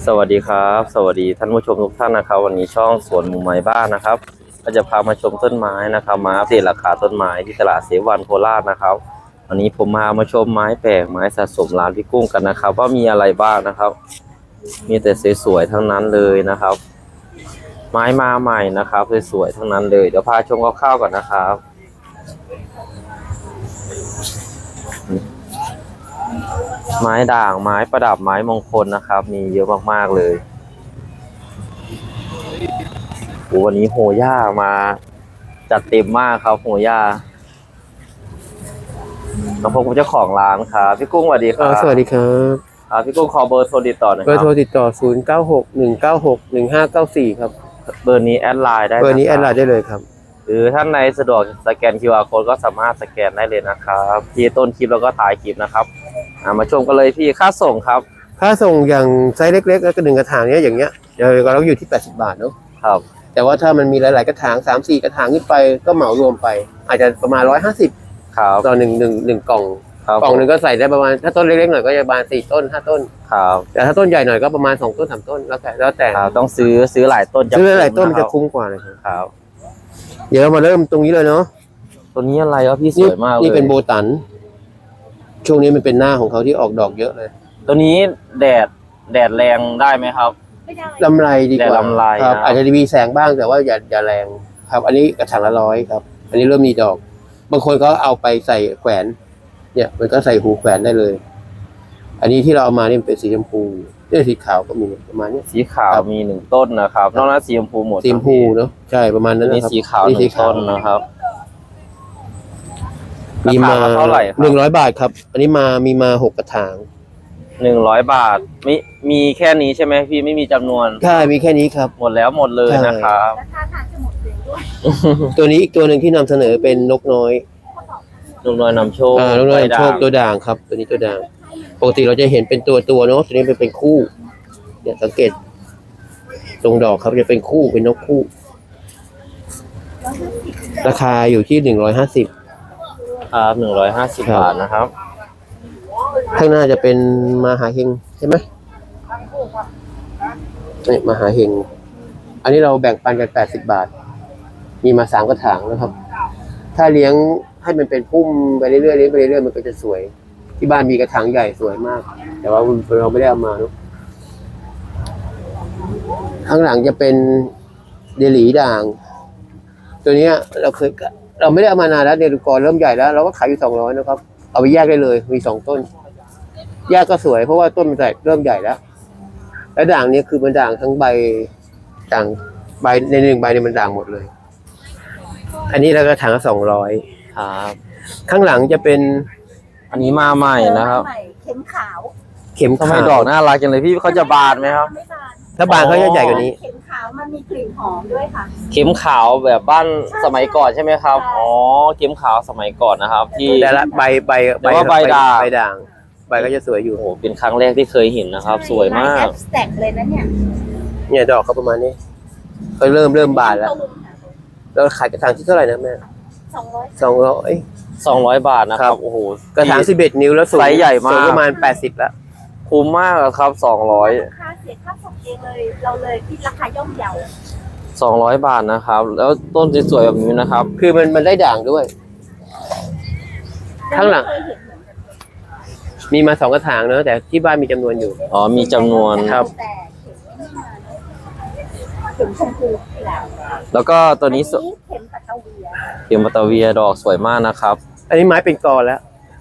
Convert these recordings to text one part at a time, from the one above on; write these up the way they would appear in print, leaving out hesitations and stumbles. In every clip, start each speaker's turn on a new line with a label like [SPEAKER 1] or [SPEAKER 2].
[SPEAKER 1] วัสดีครับสวัสดีท่านผู้ชมทุกท่านนะครับวันนี้ช่องสวนมุมไม้บ้านนะครับก็จะพามาชมต้นไม้นะครับมาอัปเดตราคาต้นไม้ที่ตลาดเสวันโคราชนะครับวันนี้ผมมาชมไม้แปลกไม้สะสมร้านพี่กุ้งกันนะครับว่ามีอะไรบ้างนะครับมีแต่สวยๆทั้งนั้นเลยนะครับไม้มาใหม่นะครับสวยๆทั้งนั้นเลยเดี๋ยวพาชมคร่าวๆก่อนนะครับไม้ด่างไม้ประดับไม้มงคลนะครับมีเยอะมากๆเลยวันนี้โหย่ามาจัดเต็มมากครับโหย่าแล้วผมเจ้าของร้านครับพี่กุ้งสวัสดีครับ
[SPEAKER 2] สวัสดีครับ
[SPEAKER 1] พี่กุ้งขอเบอร์โทรติดต่อหน่อยครับ
[SPEAKER 2] เบอร์โทรติดต่อ0961961594ครับ
[SPEAKER 1] เบอร์นี้แอดไลน์ได้
[SPEAKER 2] เบอร์นี้แอดไลน์ได้เลยครับ
[SPEAKER 1] หรือท่านในสะดวกสแกน QR Code ก็สามารถสแกนได้เลยนะครับที่ต้นคลิปแล้วก็ถ่ายคลิปนะครับมาชมกันเลยพี่ค่าส่งครับ
[SPEAKER 2] ค่าส่งอย่างไซส์เล็กๆแล้วก็1กระถางเนี้ยอย่างเงี้ยเราอยู่ที่80 บาทเนาะ
[SPEAKER 1] ครับ
[SPEAKER 2] แต่ว่าถ้ามันมีหลายๆกระถาง3-4กระถางขึ้นไปก็เหมารวมไปอาจจะประมาณ150
[SPEAKER 1] ครับ
[SPEAKER 2] ต่อ1กล่องกล่องนึงก็ใส่ได้ประมาณถ้าต้นเล็กๆหน่อยก็จะประมาณ4ต้น5ต้น
[SPEAKER 1] ครับ
[SPEAKER 2] แต่ถ้าต้นใหญ่หน่อยก็ประมาณ2ต้น3ต้นแล้วแต่
[SPEAKER 1] ต้องซื้อหลายต้น
[SPEAKER 2] ซื้อหลายต้นจะคุ้มกว่าเลย
[SPEAKER 1] ครับ
[SPEAKER 2] เดี๋ยวเรามาเริ่มตรงนี้เลยเนาะ
[SPEAKER 1] ตัวนี้อะไรวะพี่สวยมากเลย
[SPEAKER 2] นี่เป็นโบตันช่วงนี้มันเป็นหน้าของเขาที่ออกดอกเยอะเลย
[SPEAKER 1] ตัวนี้แดดแรงได้ไหมครับ
[SPEAKER 2] ลำไรดีกว่า
[SPEAKER 1] ลำไร
[SPEAKER 2] ครับอาจจะมีแสงบ้างแต่ว่าอย่าแรงครับอันนี้กระถางละ100ครับอันนี้เริ่มมีดอกบางคนก็เอาไปใส่แขวนเนี่ยมันก็ใส่หูแขวนได้เลยอันนี้ที่เราเอามานี่เป็นสีชมพูสีขาวก็มีประมาณนี้
[SPEAKER 1] สีขาวมี1ต้นนะครับนอกนั้นสีชมพูหมด
[SPEAKER 2] สีชมพูเนาะใช่ประมาณนั้นนะครับ
[SPEAKER 1] สีขาว1ต้นนะครับ
[SPEAKER 2] มีมา
[SPEAKER 1] เท่าไหร่ครับ
[SPEAKER 2] 100 บาทครับอันนี้มีมา6กระถาง
[SPEAKER 1] 100 บาทมีแค่นี้ใช่ไหมพี่ไม่มีจำนวน
[SPEAKER 2] ใช่มีแค่นี้ครับ
[SPEAKER 1] หมดเลยนะครับ
[SPEAKER 3] ราคาจะหมดเลยด้วย
[SPEAKER 2] ตัวนี้อีกตัวหนึ่งที่นำเสนอเป็นนกน้อย
[SPEAKER 1] นำโชคน
[SPEAKER 2] กน้อยนำโชคตัวด่างครับตัวนี้ตัวด่างปกติเราจะเห็นเป็นตัวเนาะตัวนี้เป็นคู่เนี่ยสังเกตตรงดอกครับจะเป็นคู่เป็นนกคู่ราคาอยู่ที่150
[SPEAKER 1] ครับ150 บาทนะครับ
[SPEAKER 2] ข้างหน้าจะเป็นมหาเฮงใช่ไหมนี่มหาเฮงอันนี้เราแบ่งปันกัน80 บาทมีมา3กระถางนะครับถ้าเลี้ยงให้มันเป็นพุ่มไปเรื่อยๆเลี้ยงไปเรื่อยๆมันก็จะสวยที่บ้านมีกระถางใหญ่สวยมากแต่ว่าเราไม่ได้เอามาเนาะข้างหลังจะเป็นเดลีด่างตัวนี้เราไม่ได้เอามานานแล้วเดลูกรเริ่มใหญ่แล้วเราก็ขายอยู่200นะครับเอาไปแยกได้เลยมี2ต้นแยกก็สวยเพราะว่าต้นมันเริ่มใหญ่แล้วด่างนี้คือมันด่างทั้งใบด่างใบใน1ใบเนี่ยมันด่างหมดเลยอันนี้เราก็ถังละ200
[SPEAKER 1] ครับ
[SPEAKER 2] ข้างหลังจะเป็น
[SPEAKER 1] อันนี้มาใหม่นะครับ
[SPEAKER 3] เข็มขาว
[SPEAKER 2] เข็ม
[SPEAKER 1] ทำไมดอกน่ารักจังเลยพี่เขาจะบานไหมครับ
[SPEAKER 2] ถ้าบานเขาจะใหญ่กว่านี้
[SPEAKER 3] เข็มขาวมันมีกลิ่นหอมด้วยค่ะ
[SPEAKER 1] เข็มขาวแบบบ้านสมัยก่อนใช่ไหมครับอ๋อเข็มขาวสมัยก่อนนะครับที่
[SPEAKER 2] แต่ละใบ
[SPEAKER 1] ด่าง
[SPEAKER 2] ใบก็จะสวยอยู่
[SPEAKER 1] โอ้เป็นครั้งแรกที่เคยเห็นนะครับสวยมาก
[SPEAKER 3] แตกเลยนะ
[SPEAKER 2] เนี่ยดอกเขาประมาณนี้ก็เริ่มบานแล้วเราขายกระถางที่เท่าไหร่นะแม่
[SPEAKER 1] 200 บาทนะครับโอ้โห
[SPEAKER 2] กระถาง11 นิ้วแล้วสูง
[SPEAKER 1] ไซส์ใหญ่มาก
[SPEAKER 2] ประมาณ80แล้ว
[SPEAKER 1] คุ้มมากครับ200
[SPEAKER 3] ค่าเสียค่าส่งเองเลยเราเลยที่ราคาย่อมเยา
[SPEAKER 1] 200 บาทนะครับแล้วต้นสวยๆแบบนี้นะครับ
[SPEAKER 2] คือมันได้ด่างด้วยข้างหลังมีมา2กระถางเนอะแต่ที่บ้านมีจำนวนอยู่
[SPEAKER 1] อ๋อมีจำนวน
[SPEAKER 2] ครับ
[SPEAKER 3] เข็มชมพู
[SPEAKER 1] แล้วก็ตัวนี้
[SPEAKER 3] เข็มปัตตาเวีย
[SPEAKER 1] ดอกสวยมากนะครับ
[SPEAKER 2] อันนี้ไม้เป็นกอแล้ว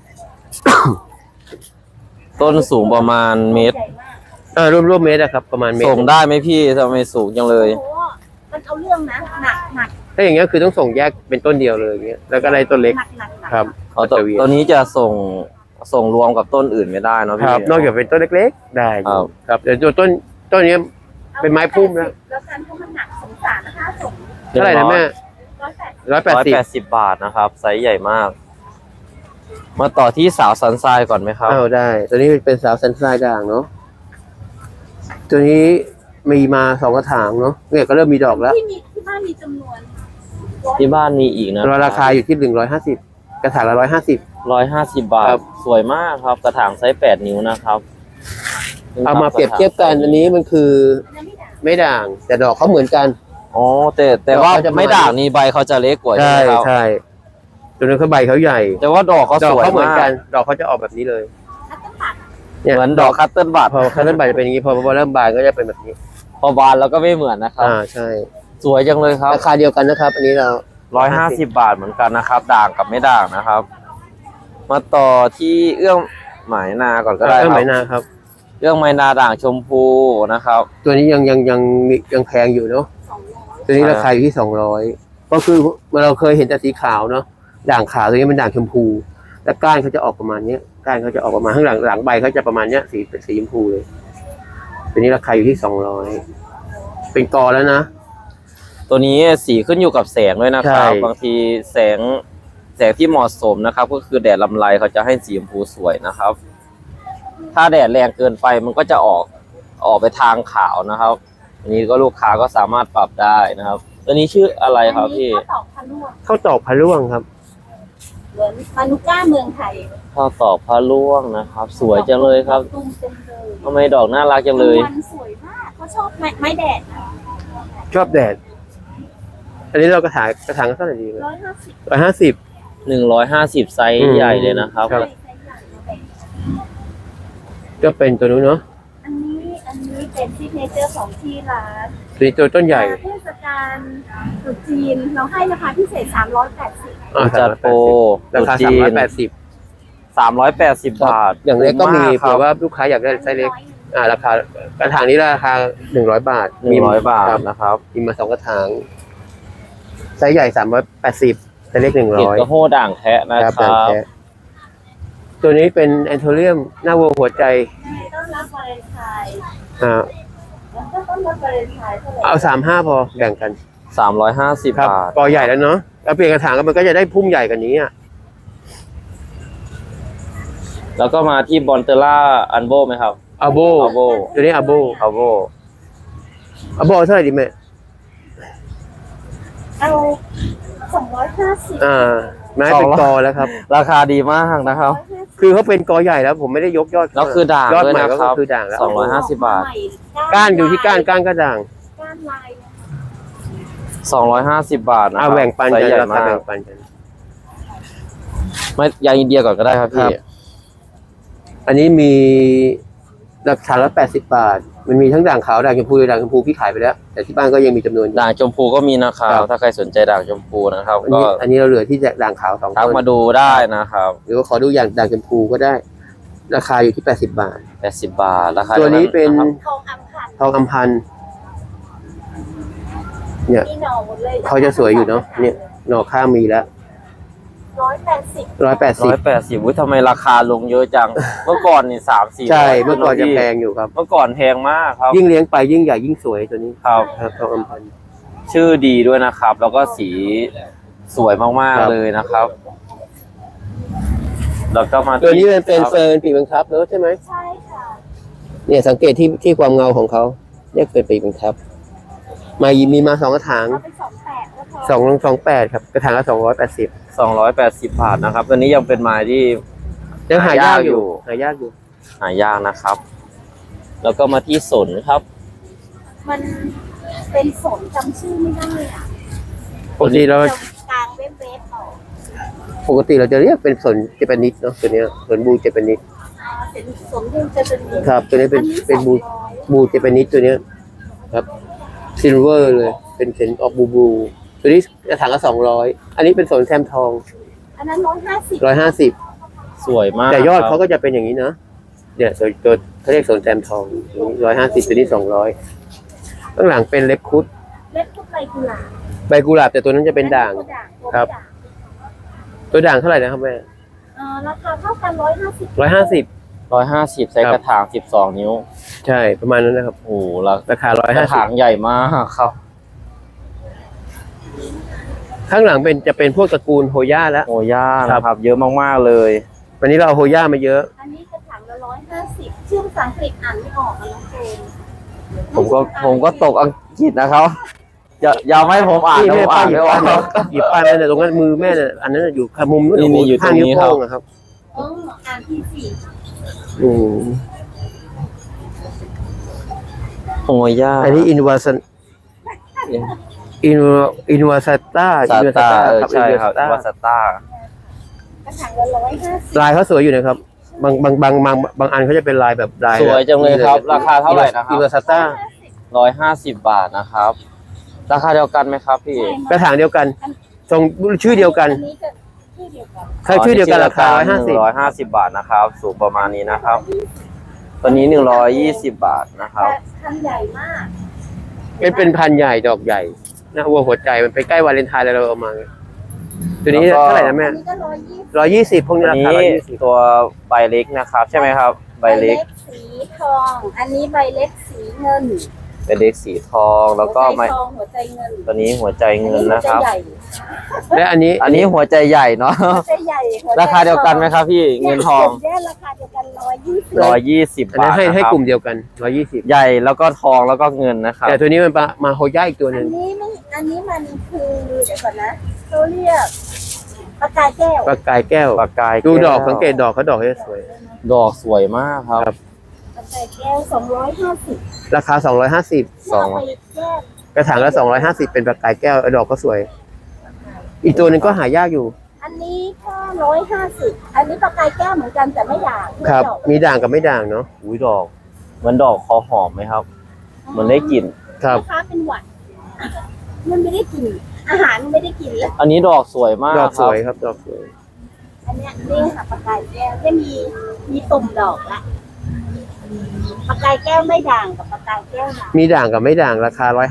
[SPEAKER 1] ต้นสูงประมาณเมตร
[SPEAKER 2] ร่วมเมตรครับประมาณเมตร
[SPEAKER 1] ส่งได้ไหมพี่ทำไมสูงจังเลย
[SPEAKER 3] มันเอาเรื่องนะหนัก
[SPEAKER 2] ถ้าอย่างเงี้ยคือต้องส่งแยกเป็นต้นเดียวเลยอย่างเงี้ยแล้วก็อะไรต้นเล็กครับ
[SPEAKER 1] ตัวนี้จะส่งรวมกับต้นอื่นไม่ได้เนาะพี่
[SPEAKER 2] นอกจากเป็นต้นเล็กๆได้ครับแต่ต้นนี้เป็นไม้พุ่มนะ
[SPEAKER 3] แล้วการเพราะมันหนักสงสารนะคะส่ง
[SPEAKER 2] เท่าไหร่นะแม่
[SPEAKER 1] 180 บาทนะครับไซส์ใหญ่มากมาต่อที่สาวซันไซก่อนไหมครับ
[SPEAKER 2] ได้ตัวนี้เป็นสาวซันไซด่างเนาะตัวนี้มีมา2กระถางเนาะเนี่ยก็เริ่มมีดอกแล้ว
[SPEAKER 3] ที่บ้านมีจำนวน
[SPEAKER 1] ที่บ้านมีอีกนะ
[SPEAKER 2] ราคาอยู่ที่150กระถางละ150
[SPEAKER 1] บาทสวยมากครับกระถางไซส์8 นิ้วนะครับ
[SPEAKER 2] เอามาเปรียบเทียบกันอันนี้มันคือ
[SPEAKER 3] อันนั้นไม่ด่าง
[SPEAKER 2] ไม่ด่าง แต่ดอกเขาเหมือนกัน
[SPEAKER 1] อ๋อแต่ว่า
[SPEAKER 2] ดอกเขาจะ
[SPEAKER 1] ไม่ด่างนี่ใบเขาจะเล็กกว่าใช่ไหมครับ
[SPEAKER 2] ใช่ตัวนั้นเขาใบเขาใหญ่
[SPEAKER 1] แต่ว่าดอกเขา
[SPEAKER 2] ดอ
[SPEAKER 1] ส
[SPEAKER 2] ก
[SPEAKER 1] วย
[SPEAKER 2] เขาเหมือน
[SPEAKER 1] มา
[SPEAKER 2] กั
[SPEAKER 1] ก
[SPEAKER 2] น ดอกเขาจะออกแบบนี้เลย
[SPEAKER 3] คัตเตอร์ปัด
[SPEAKER 2] เนี่ย
[SPEAKER 1] เหมือนดอกคัตเติ้ลบัต
[SPEAKER 2] พอเขาเริ่มใบจะเป็นอย่างนี้พอเริ่มบานก็จะเป็นแบบนี้
[SPEAKER 1] พอบานแล้วก็ไม่เหมือนนะครับ
[SPEAKER 2] ใช่
[SPEAKER 1] สวยจังเลยครับ
[SPEAKER 2] ราคาเดียวกันนะครับ อันนี้เรา
[SPEAKER 1] 150 บาทเหมือนกันนะครับ ด่างกับไม่ด่างนะครับ มาต่อที่เอื้องหมายนาก่อนก็ได้ค
[SPEAKER 2] เริ่ม
[SPEAKER 1] รับ
[SPEAKER 2] ไหมนาครับ
[SPEAKER 1] เอื้องหมายนาด่างชมพูนะครับ
[SPEAKER 2] ตัวนี้ยังแพงอยู่เนาะ
[SPEAKER 3] 200
[SPEAKER 2] ตัวนี้ราคาอยู่ที่200ก็คือเราเคยเห็นแต่สีขาวเนาะด่างขาวตัวนี้เป็นด่างชมพูและก้านเขาจะออกประมาณเนี้ยก้านเขาจะออกประมาณข้างหลังใบเขาจะประมาณเนี้ยสีชมพูเลยตัวนี้ราคาอยู่ที่200เป็นกอแล้วนะ
[SPEAKER 1] ตัวนี้สีขึ้นอยู่กับแสงด้วยนะครับ
[SPEAKER 2] ใช่
[SPEAKER 1] บางทีแสงที่เหมาะสมนะครับ ก็คือแดดลำไรเขาจะให้สีชมพูสวยนะครับ ถ้าแดดแรงเกินไปมันก็จะออกไปทางขาวนะครับ อันนี้ก็ลูกค้าก็สามารถปรับได้นะครับ ตัวนี้ชื่ออะไรครับพี่
[SPEAKER 3] อันนี้ข้าวตอกพะลวก
[SPEAKER 2] ข้าวตอกพะล่วงครับ
[SPEAKER 3] เหมือนมานุก้าเมืองไทย
[SPEAKER 1] ข้าวตอกพระล่วงนะครับ สวยจังเลยครับ
[SPEAKER 3] ตุ้มเต็มเลย
[SPEAKER 1] ทำไมดอกน่ารักจังเลย
[SPEAKER 3] วันสวยมากเขาชอบไม้แดดนะ
[SPEAKER 2] ชอบแดด อันนี้เรากระถางเท่าไหร่ดีไหม
[SPEAKER 3] 150
[SPEAKER 2] 150
[SPEAKER 1] 150 ไซส์ใหญ่เลยนะครับ
[SPEAKER 2] ครับ
[SPEAKER 3] ใส่ใส่ใหญ่มาแบ่ง
[SPEAKER 2] ก็เป็นตัวนู้นเนาะ
[SPEAKER 3] อันนี้เป็นซิกเนเจอร์ของที่ร้าน
[SPEAKER 2] ตัวนี้ตัวต้นใหญ่
[SPEAKER 3] เทศกาลตรุษจีนเราให้ราคาพิเศษ380
[SPEAKER 1] จัดโปร
[SPEAKER 2] ราคา
[SPEAKER 1] ตรุษจีน
[SPEAKER 2] 380
[SPEAKER 1] 380 บาท
[SPEAKER 2] อย่างเล็กก็มี
[SPEAKER 1] ถู
[SPEAKER 2] เผื่อว่าลูกค้าอยากได้ไซส์เล็ก ราคากระถางนี้ราคา100 บาท
[SPEAKER 1] 100 บาท
[SPEAKER 2] ครับ
[SPEAKER 1] นะครับ
[SPEAKER 2] มีมา2กระถางไซส์ใหญ่380ไซส์เล็ก
[SPEAKER 1] เห็ดกระ
[SPEAKER 2] 100
[SPEAKER 1] โหด่างแคะนะ
[SPEAKER 2] ครับ
[SPEAKER 1] ครั
[SPEAKER 2] แบบ
[SPEAKER 1] บ
[SPEAKER 2] แท้ตัวนี้เป็นแอนโทเรียมหน้าวัวหัวใจ
[SPEAKER 3] ต้อนรับวาเลนไทน์
[SPEAKER 2] อ่า
[SPEAKER 3] แล้วก็ต้อนรับวาเลนไทน์เท่าไหร่
[SPEAKER 2] เอา35พอแบ่งกัน
[SPEAKER 1] 350
[SPEAKER 2] ครับ
[SPEAKER 1] บาท
[SPEAKER 2] กอใหญ่แล้วเนาะแล้วเปลี่ยนกระถางก็มันก็จะได้พุ่มใหญ่กว่านี้อ่ะ
[SPEAKER 1] แล้วก็มาที่บอนเตล่าอันโบไหมครับ
[SPEAKER 2] อาโบ
[SPEAKER 1] อัลโบ
[SPEAKER 2] ตัวนี้อาโบ
[SPEAKER 1] อัลโบ
[SPEAKER 2] อาโบเท่าไหร่ดีแม่
[SPEAKER 3] เอา250
[SPEAKER 2] ไม้เป็นกอแล้วครับ
[SPEAKER 1] ราคาดีมากนะครับ
[SPEAKER 2] คือเขาเป็นกอใหญ่แล้วผมไม่ได้ยกยอด
[SPEAKER 1] แล้วคือด่าง
[SPEAKER 2] ยอด
[SPEAKER 1] ด้วย
[SPEAKER 2] ใหม่
[SPEAKER 1] นะ
[SPEAKER 2] ก็
[SPEAKER 1] ครับ
[SPEAKER 2] คือด่างแล้ว
[SPEAKER 1] 250 บาท
[SPEAKER 2] ก้านอยู่ที่ก้านก็ด่าง
[SPEAKER 3] ก้านลายนะคะ
[SPEAKER 1] 250 บาทนะครั
[SPEAKER 2] เอาแบ่งปัน
[SPEAKER 1] ไซ
[SPEAKER 2] กัน
[SPEAKER 1] ส์ใหญ่
[SPEAKER 2] ราคาม
[SPEAKER 1] าก
[SPEAKER 2] แบ่งปันกัน
[SPEAKER 1] ไม่ยางอินเดียก่อนก็ได้ครับ
[SPEAKER 2] ครั
[SPEAKER 1] พี่
[SPEAKER 2] บ อันนี้มีราคาละ80 บาท มันมีทั้งด่างขาวด่างชมพูด่างชมพูพี่ขายไปแล้ว แต่ที่บ้านก็ยังมีจำนวนอยู่
[SPEAKER 1] ด่างชมพูก็มีนะครับ
[SPEAKER 2] ครับ
[SPEAKER 1] ถ้าใครสนใจด่างชมพูนะครับ
[SPEAKER 2] อันนี้เราเหลือที่ด่างขาว2
[SPEAKER 1] ทัก
[SPEAKER 2] ต้น
[SPEAKER 1] มาดูได้นะครับ
[SPEAKER 2] หรือว่าขอดูอย่างด่างชมพูก็ได้ ราคาอยู่ที่80 บาท
[SPEAKER 1] 80 บาทราคา
[SPEAKER 2] ตัวนี้เป็น
[SPEAKER 1] ครับ
[SPEAKER 3] ทองอัมพันธ์
[SPEAKER 2] ทองอัมพันธ์เนี่ย
[SPEAKER 3] มีหน่อหมดเลย
[SPEAKER 2] เขาจะสวยอยู่เนาะเนี่ยหน่อข้างมีแล้ว
[SPEAKER 3] 180
[SPEAKER 2] 180
[SPEAKER 1] อุ๊ยทำไมราคาลงเยอะจัง เมื่อก่อนนี่3-4
[SPEAKER 2] ใช่เมื่อก่อนจะแพงอยู่ครับ
[SPEAKER 1] เมื่อก่อนแพงมากครับ
[SPEAKER 2] ยิ่งเลี้ยงไปยิ่งใหญ่ยิ่งสวยตัวนี้
[SPEAKER 1] ครับ
[SPEAKER 2] ครับทองอัมพันธ์
[SPEAKER 1] ชื่อดีด้วยนะครับ แล้วก็สีสวยมาก
[SPEAKER 2] ครับ
[SPEAKER 1] ๆเลยนะครับ แล้วก็มา
[SPEAKER 2] ตัวนี้มันเป็น
[SPEAKER 1] ครับ
[SPEAKER 2] เฟิร์นปีกบังคับเนอะใช่ไหม
[SPEAKER 3] ใช่ค่ะ
[SPEAKER 2] เนี่ยสังเกตที่ความเงาของเขาเรียกเป็นปีกบังคับ มีมา2กระถาง
[SPEAKER 3] เอาเป็น28ก็พอ
[SPEAKER 2] 228ครับกระถางละ280
[SPEAKER 1] 280 บาทนะครับ ตัวนี้ยังเป็นไม้ที่
[SPEAKER 2] ยังหายากอยู่
[SPEAKER 1] หายากนะครับ แล้วก็มาที่สนครับ
[SPEAKER 3] มันเป็นสนจำชื่อไม่ได้อ่ะ
[SPEAKER 2] ปกติเรา
[SPEAKER 3] จะกลางเว็บออก
[SPEAKER 2] ปกติเราจะเรียกเป็นสนเจแปนิสเนาะตัวเนี้ยสนบูเจแปนิส
[SPEAKER 3] เป็นสนที่จะเป็น
[SPEAKER 2] ครับ ตัวนี้เป็นบู
[SPEAKER 3] 200
[SPEAKER 2] บูเจแปนิสตัวเนี้ยครับซิลเวอร์เลยเป็นเซนออกบูตัวนี้กระถางละ200อันนี้เป็นสนแซมทอง
[SPEAKER 3] อันนั้น150
[SPEAKER 2] 150
[SPEAKER 1] สวยมาก
[SPEAKER 2] แต่ยอด
[SPEAKER 1] ครับ
[SPEAKER 2] เขาก็จะเป็นอย่างนี้นะเนี่ยตัวเขาเรียกสนแซมทอง150ตัวนี้200ข้างหลังเป็นเล็บคุด
[SPEAKER 3] เล็บทุกใบกุหลาบ
[SPEAKER 2] ใบกุหลาบแต่ตัวนั้นจะเป็นด่าง ครับ ตัวด่างเท่าไหร่นะครับแม่
[SPEAKER 3] ราคาเท่ากัน150
[SPEAKER 2] 150
[SPEAKER 1] 150 ใส่กระถาง 12 นิ้ว
[SPEAKER 2] ใช่ประมาณนั้นนะครับ
[SPEAKER 1] โอ้โหรา
[SPEAKER 2] ราคาก
[SPEAKER 1] ระถาง
[SPEAKER 2] 150
[SPEAKER 1] ใหญ่มากครับ
[SPEAKER 2] ข้างหลังจะเป็นพวกตระกูลโฮย่าแล้ว
[SPEAKER 1] โอย่านะครับ เยอะมากๆเลย
[SPEAKER 2] วันนี้เราเอาโฮย่ามาเยอะ
[SPEAKER 3] อันนี้กระถางละ150ชื่อภาษาอังกฤษอ่านไม่ออกอะน้องเจน
[SPEAKER 1] ผมก็ตกอังกฤษนะครับอย่าไม่ให้ผมอ่าน
[SPEAKER 2] นี่
[SPEAKER 1] นะผ
[SPEAKER 2] แม่
[SPEAKER 1] ม
[SPEAKER 2] ป้า
[SPEAKER 1] อ่าน
[SPEAKER 2] หยิ
[SPEAKER 1] ไม่
[SPEAKER 2] บ
[SPEAKER 1] ออ
[SPEAKER 2] ป้าก หยิบป้ายนั่นน่ะตรงนั้นมือแม่น่ะอันนั้นน่ะอยู่ขามุมนู้น
[SPEAKER 1] นี่อยู่ตรงนี้
[SPEAKER 2] ข้างนิ้ว
[SPEAKER 1] ครับ
[SPEAKER 2] โป้งอะครับ
[SPEAKER 3] อ่านที่4
[SPEAKER 2] อืม
[SPEAKER 1] โฮย่า
[SPEAKER 2] อันนี้อินวาสันอินวาสต้า
[SPEAKER 1] ซาตาใช่ครับ
[SPEAKER 2] อิน
[SPEAKER 1] วาสต้าก
[SPEAKER 3] ระถางละ150
[SPEAKER 2] ลายเขาสวยอยู่นะครับบางอันเขาจะเป็นลายแบบลาย
[SPEAKER 1] สวยจังเลยครับ ราคาเท่าไหร่นะครั
[SPEAKER 2] อินวาสต้า
[SPEAKER 1] บ150 บาทนะครับ ราคาเดียวกันไหมครับพี่
[SPEAKER 2] กระถางเดียวกันทรงชื่อเดียวกัน
[SPEAKER 3] อันนี้จะชื่อเดียวกัน
[SPEAKER 2] ถ้าชื่อเดียวกันราคา
[SPEAKER 1] 150 บาทนะครับ สูงประมาณนี้นะครับ ตัวนี้120 บาทนะครับ
[SPEAKER 3] พันใหญ่มาก
[SPEAKER 2] 150เป็นพันใหญ่ดอกใหญ่นะวัวหัวใจมันไปใกล้วาเลนไทน์แล้วเราเอามาตัวนี้
[SPEAKER 1] แล้วก็
[SPEAKER 2] เท่าไหร่นะแม่
[SPEAKER 3] อันนี้ก็120
[SPEAKER 2] 120พวกนี้
[SPEAKER 1] อัน
[SPEAKER 2] ราคา
[SPEAKER 1] นี้
[SPEAKER 2] 120
[SPEAKER 1] ตัวใบเล็กนะครับ ใช่ไหมครับ ใบเล็ก
[SPEAKER 3] สีทอง อันนี้ใบเล็กสีเงิน
[SPEAKER 1] ใบเล็กสีทอง แล้วก็
[SPEAKER 3] หัว
[SPEAKER 1] ไม้
[SPEAKER 3] ใจทองหัวใจเงิน
[SPEAKER 1] ตัวนี้หัวใจเงินนะครับ
[SPEAKER 3] อัหัวใจใหญ่
[SPEAKER 2] และอันนี้
[SPEAKER 1] อันนี้หัวใจใหญ่เนาะ
[SPEAKER 3] หัวใจใหญ่หัวใจ
[SPEAKER 1] ราคาเดียวกันไหมครับพี่ เงินทอง
[SPEAKER 3] เนี่ยราคาเดียวกัน120
[SPEAKER 1] 120
[SPEAKER 2] อันนั้
[SPEAKER 1] บาน ท
[SPEAKER 2] ให้
[SPEAKER 1] นะครับ
[SPEAKER 2] กลุ่มเดียวกัน120
[SPEAKER 1] ใหญ่แล้วก็ทองแล้วก็เงินนะครับ
[SPEAKER 2] แต่ตัวนี้มันมาโฮย่าอีกตัวห
[SPEAKER 3] อั
[SPEAKER 2] นึ่
[SPEAKER 3] น
[SPEAKER 2] ง
[SPEAKER 3] นี้ไม่อันนี้มันคือเดี๋ยวก่อนนะเขาเรียกปากกาแก้ว
[SPEAKER 2] ปากกายแก้ว
[SPEAKER 1] ปากกาย
[SPEAKER 2] ดูดอก
[SPEAKER 1] แว
[SPEAKER 2] สังเกตดอกเขาดอกเขาจะสวย
[SPEAKER 1] ดอกสวยมากครับ
[SPEAKER 2] ครับ
[SPEAKER 3] ปากกาแก้ว250
[SPEAKER 2] ราคา250
[SPEAKER 1] สอง
[SPEAKER 3] เอาไปแก้
[SPEAKER 2] กระถางละ250เป็นปากกายแก้วดอกก็สวย อีกตัวหนึงก็หายากอยู่
[SPEAKER 3] อันนี้ก็150อันนี้ปากกาแก้วเหมือนกันแต่ไม่ด่าง
[SPEAKER 2] ครับ
[SPEAKER 3] ไม่ดอก
[SPEAKER 2] มีด่างกับไม่ด่างเนาะ
[SPEAKER 1] อุ้ยดอกเหมันดอกคอหอมไหมครับเหมันได้กลิ่น
[SPEAKER 2] ครับ
[SPEAKER 3] ลูกค้าเป็นหวัด มันไม่ได้กิน อาหารมันไม่ได้กินแล้ว
[SPEAKER 1] อันนี้ดอกสวยมาก
[SPEAKER 2] ดอก
[SPEAKER 1] ค
[SPEAKER 2] ส
[SPEAKER 1] รับ
[SPEAKER 2] วยครับดอกสวย
[SPEAKER 3] อันเนี้ยนี่ค่ะปากกาแก้วจะมีตุ่มดอกละปากกาแก้วไม่ด่างกับปากกาแก้วด่าง
[SPEAKER 2] มีด่างกับไม่ด่างราคา150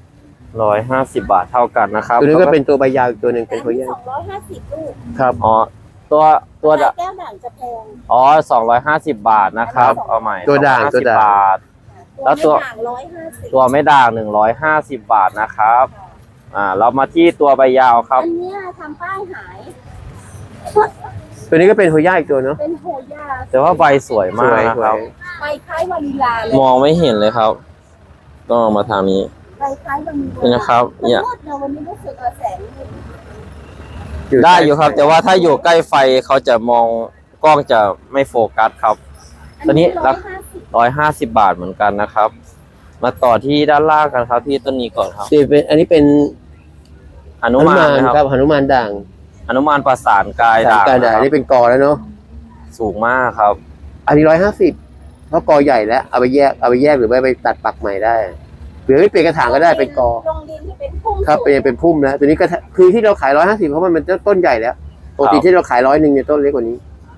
[SPEAKER 1] 150 บาทเท่ากันนะครับ
[SPEAKER 2] ตัวนี้ก็เป็นตัวใบยาวอีกตัวหนึ่งเป็นโฮย่า
[SPEAKER 3] 250ลูก
[SPEAKER 2] ครับ
[SPEAKER 1] อ๋อตัวตัว
[SPEAKER 3] ปากกาแก้วด่างจะแพง
[SPEAKER 1] อ๋อ250 บาทนะครับ เอาใหม่
[SPEAKER 2] ตัวด่าง
[SPEAKER 1] 250
[SPEAKER 2] ตัวด่าง
[SPEAKER 1] บาท แล้วตัว
[SPEAKER 3] ไม่ด่าง150
[SPEAKER 1] ตัวไม่ด่าง150 บาทนะครับ เรามาที่ตัวใบยาวครับ
[SPEAKER 3] อันเนี้ยทำป้ายหาย
[SPEAKER 2] ตัวนี้ก็เป็นโฮย่าอีกตัวเนาะ
[SPEAKER 3] เป็นโฮย่า
[SPEAKER 1] แต่ว่าใบสวย
[SPEAKER 2] ส
[SPEAKER 1] มาก
[SPEAKER 2] วย
[SPEAKER 1] นะ
[SPEAKER 2] ส
[SPEAKER 1] คว รับ
[SPEAKER 2] ย
[SPEAKER 3] ใบคล้ายวานิลาเลย
[SPEAKER 1] มองไม่เห็นเลยครับ ต้องเอามาทางนี้
[SPEAKER 3] ใบคล้ายวานิลา
[SPEAKER 1] นี่นะครับเนี่ย
[SPEAKER 3] มืดเนอะวันนี้รู้สึกแสงมืด
[SPEAKER 1] ได้อยู่ครับ แต่ว่าถ้าอยู่ใกล้ไฟเขาจะมองกล้องจะไม่โฟกัสครับ ตัวนี้ราคา 150 บาทเหมือนกันนะครับ มาต่อที่ด้านล่างกันครับที่ต้นนี้ก่อนครับ
[SPEAKER 2] นี่เป็นอันนี้เป็น
[SPEAKER 1] หนุมานนะครับ
[SPEAKER 2] ครับหนุมานด่าง
[SPEAKER 1] หนุมานประสานกาย
[SPEAKER 2] สาม
[SPEAKER 1] ด่าง
[SPEAKER 2] การ
[SPEAKER 1] นะ
[SPEAKER 2] ด่าง
[SPEAKER 1] ครับ
[SPEAKER 2] นี่เป็นกอแล้วเนาะ
[SPEAKER 1] สูงมากครับ
[SPEAKER 2] อันนี้150เพราะกอใหญ่แล้วเอาไปแยกหรือไปตัดปักใหม่ได้หรือไม่เปลี่ยนกระถางก็ได้เป็นกอ
[SPEAKER 3] ลงดินที่เป็นพุ่ม
[SPEAKER 2] ครับเป็นพุ่มแล้วตัวนี้ก็คือที่เราขาย150เพราะมันเป็นต้นใหญ่แล้วปกติที่เราขาย100เนี่ยต้นเล็กกว่านี้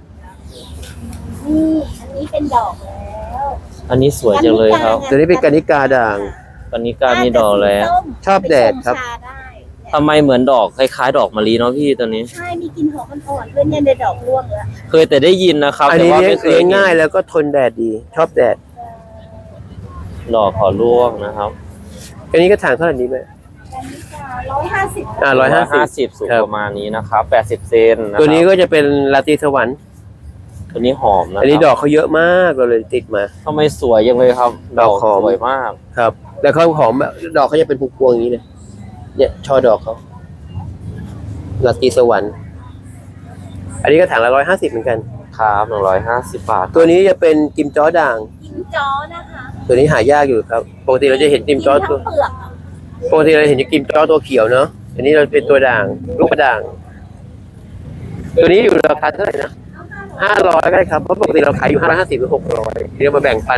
[SPEAKER 3] นี่อันนี้เป็นดอกแล้ว
[SPEAKER 1] อันนี้สวยจังเลยครับ
[SPEAKER 2] ตัวนี้เป็นกานิกาด่าง
[SPEAKER 1] ตอนนี้การมีดอกแล้ว
[SPEAKER 2] ชอบแดดครับ
[SPEAKER 3] ชาได้
[SPEAKER 1] ทำไมเหมือนดอกคล้ายๆ ดอกมะลิเนาะพี่ตัวนี้
[SPEAKER 3] ใช่มีกลิ่นหอมอ่อนๆด้วยเนี่ยในดอกร่วงแล้ว
[SPEAKER 1] เคยแต่ได้ยินนะครับ
[SPEAKER 2] อัน
[SPEAKER 1] แต่
[SPEAKER 2] นี้
[SPEAKER 1] ว่า
[SPEAKER 2] เลี้ย
[SPEAKER 1] ไม่
[SPEAKER 2] ง
[SPEAKER 1] เคย
[SPEAKER 2] เลี้ยง
[SPEAKER 1] เห็น
[SPEAKER 2] ง่ายแล้วก็ทนแดดดี ชอบแดด
[SPEAKER 1] ดอกขอร่วงนะครับ
[SPEAKER 2] อันนี้กระถางเท่าไหร่นี้ไหม
[SPEAKER 3] อันนี้จะ150
[SPEAKER 1] 150สูง
[SPEAKER 2] ครับ
[SPEAKER 1] ประมาณนี้นะครับ80 เซนนะครับ
[SPEAKER 2] ตัวนี้ก็จะเป็นลาตรีสวรรค์
[SPEAKER 1] ตัวนี้หอมนะ
[SPEAKER 2] อันนี้
[SPEAKER 1] ค
[SPEAKER 2] ด
[SPEAKER 1] รั
[SPEAKER 2] อกเขาเยอะมากเราเลยติดมา
[SPEAKER 1] ทำไมสวยจังเลยครับ
[SPEAKER 2] ดอกหอม
[SPEAKER 1] สวยมาก
[SPEAKER 2] ครับ แล้วเขาหอมแบบดอกเขาจะเป็นพวงๆอย่างนี้เลยเนี่ยช่อดอกเขาลาตรีสวรรค์ อันนี้กระถางละ150เหมือนกัน
[SPEAKER 1] ครับ150 บาท
[SPEAKER 2] ตัวนี้จะเป็นจิมจ้อด่าง
[SPEAKER 3] กินจ้อนะคะ
[SPEAKER 2] ตัวนี้หายากอยู่ครับ ปกติเราจะเห็นจิมจ้อ
[SPEAKER 3] กิน
[SPEAKER 2] ตั
[SPEAKER 3] ทั้
[SPEAKER 2] ว
[SPEAKER 3] งเปลือกอะ
[SPEAKER 2] ปกติเราเห็นจิมจ้อตัวเขียวเนาะ อันนี้เราเป็นตัวด่าง ลูกกระด่าง ตัวนี้อยู่ราคาเท่าไหร่นะ500ก็ได้ครับ เพราะปกติเราขายอยู่550หรือ600เดี๋ยวมาแบ่งปัน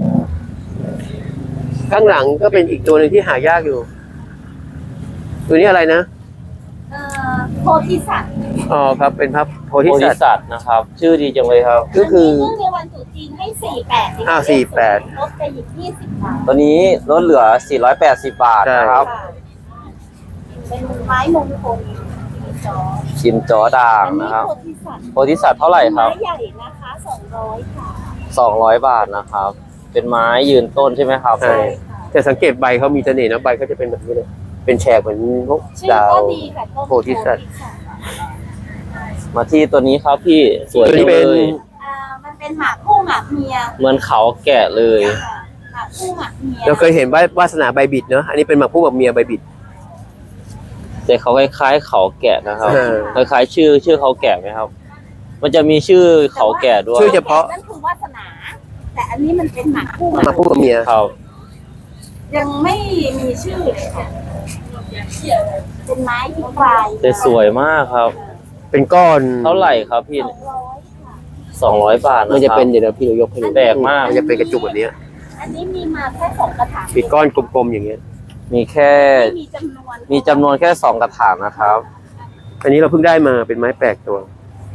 [SPEAKER 2] ข้างหลังก็เป็นอีกตัวหนึ่งที่หายากอยู่ ตัวนี้อะไรนะ
[SPEAKER 3] โพธิสัตว์
[SPEAKER 2] อ๋อครับ เป็นพระโพธิ
[SPEAKER 1] โพธิ
[SPEAKER 2] สัตว์
[SPEAKER 1] สัตว์นะครับ ชื่อดีจังเลยครับ
[SPEAKER 2] ก็คือ
[SPEAKER 3] เนื่องในวันตรุษจีนให้48
[SPEAKER 2] อ้าว48
[SPEAKER 3] ลดไปอีก20 บาท
[SPEAKER 1] ตัวนี้ลดเหลือ480 บาทนะครับ
[SPEAKER 3] ค่ะเป็นไม้มงคลกินจ้อ
[SPEAKER 1] ชิมจอด่าง
[SPEAKER 3] อันนี้
[SPEAKER 1] นะครับ
[SPEAKER 3] โพธิสัตว์
[SPEAKER 1] โพธิสัตว์เท่าไหร่ครับ
[SPEAKER 3] ไม้ใหญ่นะคะ200ค่ะ
[SPEAKER 1] 200 บาทนะครับ เป็นไม้ยืนต้นใช่ไหมครับ
[SPEAKER 2] ใช่ แต่สังเกตใบเขามีเสน่ห์นะใบเขาจะเป็นแบบนี้เลย เป็นแฉกเหมือนพวก
[SPEAKER 3] ชื่อ
[SPEAKER 2] ดาว
[SPEAKER 3] ก็ดีค่ะต้น
[SPEAKER 2] โพธิสัตว์
[SPEAKER 1] มาที่ตัวนี้ครับพี่สวย
[SPEAKER 2] ตัว
[SPEAKER 1] จั
[SPEAKER 2] นี้
[SPEAKER 1] ง
[SPEAKER 2] เป็
[SPEAKER 1] เล
[SPEAKER 2] น
[SPEAKER 1] ย
[SPEAKER 3] มันเป็นหมากคู่หมากเมีย
[SPEAKER 1] เหมือนเขาแกะเลย
[SPEAKER 3] ค่ะหมากคู่หมากเมีย
[SPEAKER 2] เราเคยเห็นวาสนาใบบิดเนาะ อันนี้เป็นหมากผู้แบบเมียใบบิด
[SPEAKER 1] แต่เขาคล้ายๆเขาแกะนะครับ
[SPEAKER 2] เออ
[SPEAKER 1] คล้ายๆชื่อเขาแกะไหมครับ มันจะมีชื่อเขาแกะด้วย
[SPEAKER 2] ชื่อเฉพาะ
[SPEAKER 3] นั่นคือวาสนา แต่อันนี้มันเป็นหมากคู่
[SPEAKER 2] หมากผู้แบบเมีย
[SPEAKER 1] ครับ
[SPEAKER 3] ยังไม่มีชื่อเลยค่ะเป็นไม้ที่ปลาย
[SPEAKER 1] แต่สวยมากครับ
[SPEAKER 2] เป็นก้อน
[SPEAKER 1] เท่าไหร่ครับพี่ 200 บาทนะ
[SPEAKER 2] มันจะ
[SPEAKER 1] ครับ
[SPEAKER 2] เป็นเดี๋ยวพี่เรายกให้ดู
[SPEAKER 1] แปลกมาก
[SPEAKER 2] มันจะเป็นกระจุกแบบเนี้ย
[SPEAKER 3] อันนี้มีมาแค่2 กระถาง
[SPEAKER 2] มีก้อนกลมๆอย่างเงี้ย
[SPEAKER 1] มีแค่
[SPEAKER 3] ไม่มีจำนวน
[SPEAKER 1] มีจำนวนแค่2กระถางนะครับ
[SPEAKER 2] อันนี้เราเพิ่งได้มาเป็นไม้แปลกตัว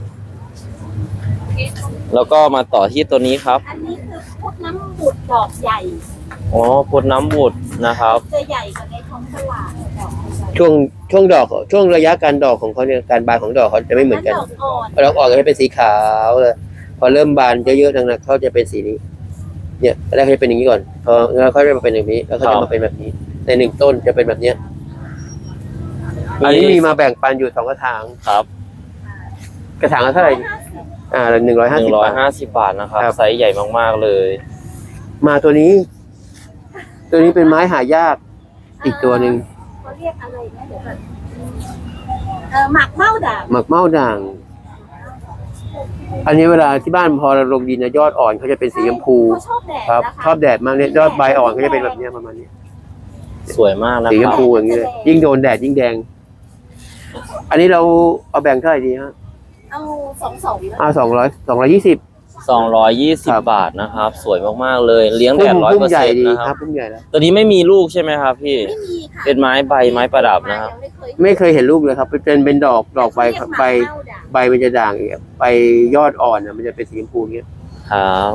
[SPEAKER 1] แล้วก็มาต่อที่ตัวนี้ครับ
[SPEAKER 3] อันนี้คือพุทธน้ำบุตรดอกใหญ่
[SPEAKER 1] อ๋อพุทธน้ำบุตรนะครับ
[SPEAKER 3] จะใหญ่กว่าในท้องตลาดดอกใหญ่
[SPEAKER 2] ช่วงดอกช่วงระยะการดอกของเขาเนี่ยการบานของดอกเขาจะไม่เหมือนกัน
[SPEAKER 3] ดอกอ่อน
[SPEAKER 2] ดอกอ่อนก็จะเป็นสีขาวเลยพอเริ่มบานเยอะๆทางนั้นเขาจะเป็นสีนี้ เนี่ยแรกเขาจะเป็นอย่างนี้ก่อนพอแล้วเขาจะมาเป็นอย่างนี้แล้วเขาจะมาเป็นแบบนี้ ในหนึ่งต้นจะเป็นแบบเนี้ยอันนี้มีมาแบ่งปันอยู่2 กระถาง
[SPEAKER 1] ครับ
[SPEAKER 2] กระถางละเท่าไหร่150 บาท
[SPEAKER 1] 150 บาทนะครับ
[SPEAKER 2] ครับ
[SPEAKER 1] ไซส์ใหญ่มากๆเลย
[SPEAKER 2] มาตัวนี้ ตัวนี้เป็นไม้หายากอีกตัวหนึ่ง
[SPEAKER 3] เขาเรียกอะไรนะเดี๋ยวก่อนหมักเม้าด่าง
[SPEAKER 2] หมักเม้าด่าง อันนี้เวลาที่บ้านพอเราลงดินนะยอดอ่อนเขาจะเป็นสีชมพู
[SPEAKER 3] เขาชอบแดด
[SPEAKER 2] ครับ
[SPEAKER 3] นะคะ
[SPEAKER 2] ชอบแดดมากเนี่ยยอดใบอ่อนเขาจะเป็นแบบเนี้ยประมาณนี้
[SPEAKER 1] สวยมากนะ
[SPEAKER 2] สี
[SPEAKER 1] ค
[SPEAKER 2] ช
[SPEAKER 1] รั
[SPEAKER 2] ม
[SPEAKER 1] บ
[SPEAKER 2] พูอย่างนี้เลยยิ่งโดนแดดยิ่งแดง อันนี้เราเอาแบ่งเท่าไหร่ดีฮะ
[SPEAKER 3] เอา2
[SPEAKER 2] เอา220
[SPEAKER 1] 220 บาทนะครับ สวยมากๆเลย เลี้ยงแดด
[SPEAKER 2] พุ่มใหญ่ดี
[SPEAKER 1] 100%นะ
[SPEAKER 2] ค
[SPEAKER 1] ค
[SPEAKER 2] รั
[SPEAKER 1] รั
[SPEAKER 2] บบ พุ่มใหญ่แล้ว
[SPEAKER 1] ตัวนี้ไม่มีลูกใช่ไหมครับพี่
[SPEAKER 3] ไม่มีค่ะ
[SPEAKER 1] เป็นไม้ใบไม้ประดับนะครับ
[SPEAKER 2] ไม่เคยเห็นลูกเลยครับเป็นดอกใบครับใบใบมันจะด่างอย่างเงี้ยใบยอดอ่อนน่ะมันจะเป็นสีชมพูอย่างเงี้ย
[SPEAKER 1] ครับ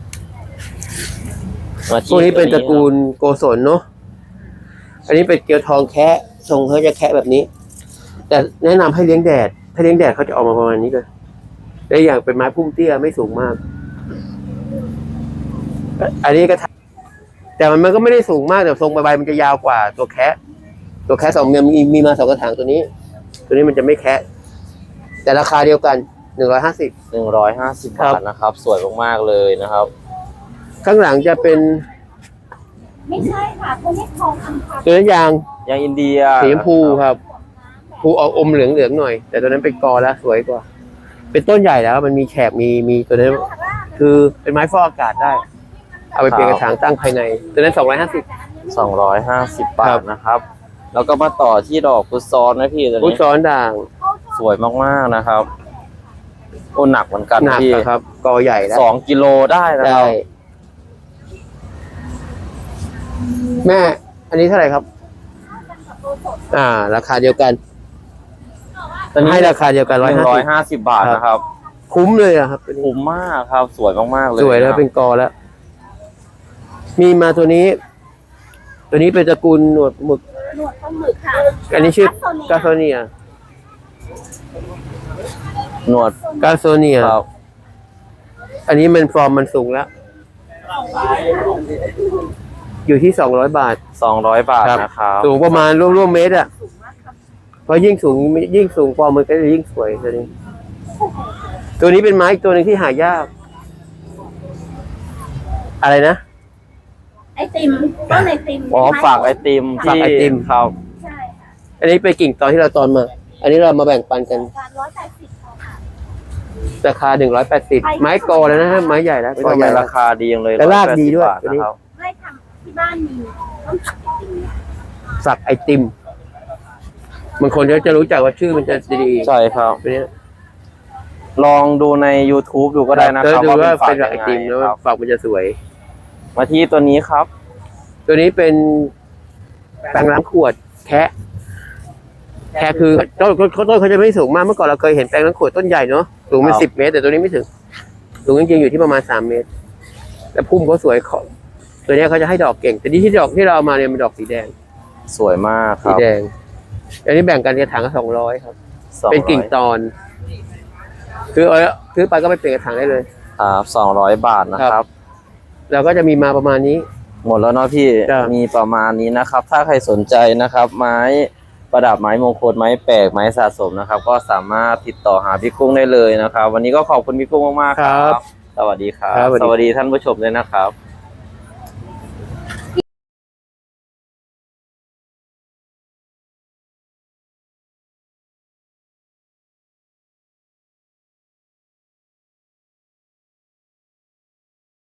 [SPEAKER 1] มาที่
[SPEAKER 2] พวกนี้เป็นตระกูลโกศลเนาะอันนี้เป็นเกลียวทองแคะทรงเขาจะแคะแบบนี้ แต่แนะนำให้เลี้ยงแดดถ้าเลี้ยงแดดเขาจะออกมาประมาณนี้เลยได้อย่างเป็นไม้พุ่มเตี้ยไม่สูงมาก อันนี้ก็แต่มันก็ไม่ได้สูงมากแต่ทรงใบมันจะยาวกว่าตัวแคะสองเนี่ยมีมา2 กระถางตัวนี้มันจะไม่แคะแต่ราคาเดียวกัน150
[SPEAKER 1] 150 บาทนะครับ สวยมากๆเลยนะครับ
[SPEAKER 2] ข้างหลังจะเป็น
[SPEAKER 3] ไม่ใช่ค่ะเขาเรียกทองคำพัน
[SPEAKER 2] ตัวนั้นยาง
[SPEAKER 1] ยางอินเดีย
[SPEAKER 2] สีชมพูครับภูออกอมเหลืองหน่อย แต่ตัวนั้นเป็นกอแล้วสวยกว่า เป็นต้นใหญ่แล้วมันมีแฉกมีตัวนั้นคือเป็นไม้ฟอกอากาศได้ เอาไปเปลี่ยนกระถางตั้งภายในตัวนั้น250
[SPEAKER 1] 250 บาทนะครับ แล้วก็มาต่อที่ดอกพุทธซ้อนนะพี่ตัว
[SPEAKER 2] พุท
[SPEAKER 1] นี้
[SPEAKER 2] ซ้อนด่าง
[SPEAKER 1] สวยมากๆนะครับโอ้หนักเหมือนกัน
[SPEAKER 2] หนัก
[SPEAKER 1] พี่
[SPEAKER 2] อะครับกอใหญ่แล้ว
[SPEAKER 1] 2 กิโลได้นะค
[SPEAKER 2] ได้
[SPEAKER 1] รับ
[SPEAKER 2] แม่ อันนี้เท่าไหร่ครับ ราคาเดียวกัน
[SPEAKER 1] ตัวนี้
[SPEAKER 2] ให้ราคาเดียวกัน150
[SPEAKER 1] 150 บาทนะครับ
[SPEAKER 2] คุ้มเลยอะครับตัวนี้
[SPEAKER 1] คุ้มมากครับ สวยมากๆเลย
[SPEAKER 2] สวยแล้ว
[SPEAKER 1] นะครับ
[SPEAKER 2] เป็นกอแล้ว มีมาตัวนี้ ตัวนี้เป็นตระกูลหนวดหมึก
[SPEAKER 3] หนวดปลาหมึกค่ะ
[SPEAKER 2] อันนี้ชื่อกาโซเนีย
[SPEAKER 1] หนวด
[SPEAKER 2] กาโซเนีย
[SPEAKER 1] ครับ
[SPEAKER 2] อันนี้มันฟอร์มมันสูงแล้ว อยู่ที่200 บาท
[SPEAKER 1] 200 บาทนะครับ
[SPEAKER 2] สูงประมาณร่วมเมตรอ่ะเพราะยิ่งสูงฟอร์มมันก็จะยิ่งสวยตัวนี้ ตัวนี้เป็นไม้อีกตัวหนึ่งที่หายาก อะไรนะ
[SPEAKER 3] ไอติมต้นไอติม
[SPEAKER 1] อ๋อฝากไอติม
[SPEAKER 2] ฝากไอติม
[SPEAKER 1] ครับ
[SPEAKER 3] ใช่ค่ะ
[SPEAKER 2] อันนี้เป็นกิ่งตอนที่เราตอนมา อันนี้เรามาแบ่งปันกัน
[SPEAKER 3] การ180ค่ะ
[SPEAKER 2] ราคา180ไม้กอแล้วนะฮะไม้ใหญ่แล้ว
[SPEAKER 1] ไม่
[SPEAKER 2] ก
[SPEAKER 1] ต้
[SPEAKER 2] อ
[SPEAKER 1] อง
[SPEAKER 2] ใหญ่
[SPEAKER 1] ใน
[SPEAKER 2] แล้ว
[SPEAKER 1] ราคาดีอย่างเลย
[SPEAKER 2] และรากดีด้วย
[SPEAKER 1] 180 บาท
[SPEAKER 2] ตัวนี้
[SPEAKER 1] นะครับ
[SPEAKER 3] ไม่ทำที่บ้านมีต้นผักไอติม
[SPEAKER 2] สักไอติมบางคนเขาจะรู้จักว่าชื่อมันจะดี
[SPEAKER 1] ใช่ครับ
[SPEAKER 2] ตัวนี้
[SPEAKER 1] ลองดูใน YouTube ดูก็ได้นะครับ
[SPEAKER 2] ดูว่า
[SPEAKER 1] ฝา
[SPEAKER 2] เป็
[SPEAKER 1] ก
[SPEAKER 2] นสักไอ
[SPEAKER 1] ยัง
[SPEAKER 2] ติม
[SPEAKER 1] ไง
[SPEAKER 2] แล้ว
[SPEAKER 1] ครับ
[SPEAKER 2] ฝักมันจะสวย
[SPEAKER 1] มาที่ตัวนี้ครับ
[SPEAKER 2] ตัวนี้เป็นแปรงล้างขวดแคะคือต้นเขาจะไม่สูงมากเมื่อก่อนเราเคยเห็นแปรงล้างขวดต้นใหญ่เนาะสูงเป็น
[SPEAKER 1] ครับ
[SPEAKER 2] 10 เมตร แต่ตัวนี้ไม่ถึงสูงจริงๆอยู่ที่ประมาณ3 เมตรแต่พุ่มเขาสวยตัวนี้เขาจะให้ดอกเก่ง แต่ที่ดอกที่เราเอามาเนี่ยเป็นดอกสีแดง
[SPEAKER 1] สวยมากค
[SPEAKER 2] สี
[SPEAKER 1] รับ
[SPEAKER 2] แดงอันนี้แบ่งกันกระถางละ200ครับ
[SPEAKER 1] 200
[SPEAKER 2] เป็นกิ่งตอนซื้อไปก็ไปเปลี่ยนกระถางได้เลย
[SPEAKER 1] ครับ200 บาทนะครับ
[SPEAKER 2] เราก็จะมีมาประมาณนี้
[SPEAKER 1] หมดแล้วเนาะพี่
[SPEAKER 2] จ้ะ
[SPEAKER 1] มีประมาณนี้นะครับ ถ้าใครสนใจนะครับ ไม้ประดับไม้มงคลไม้แปลกไม้สะสมนะครับ ก็สามารถติดต่อหาพี่กุ้งได้เลยนะครับ วันนี้ก็ขอบคุณพี่กุ้งมากๆครับ สวัสดีครับ
[SPEAKER 2] ครับสวัสดี
[SPEAKER 1] สวัสดีท่านผู้ชมด้วยนะครับ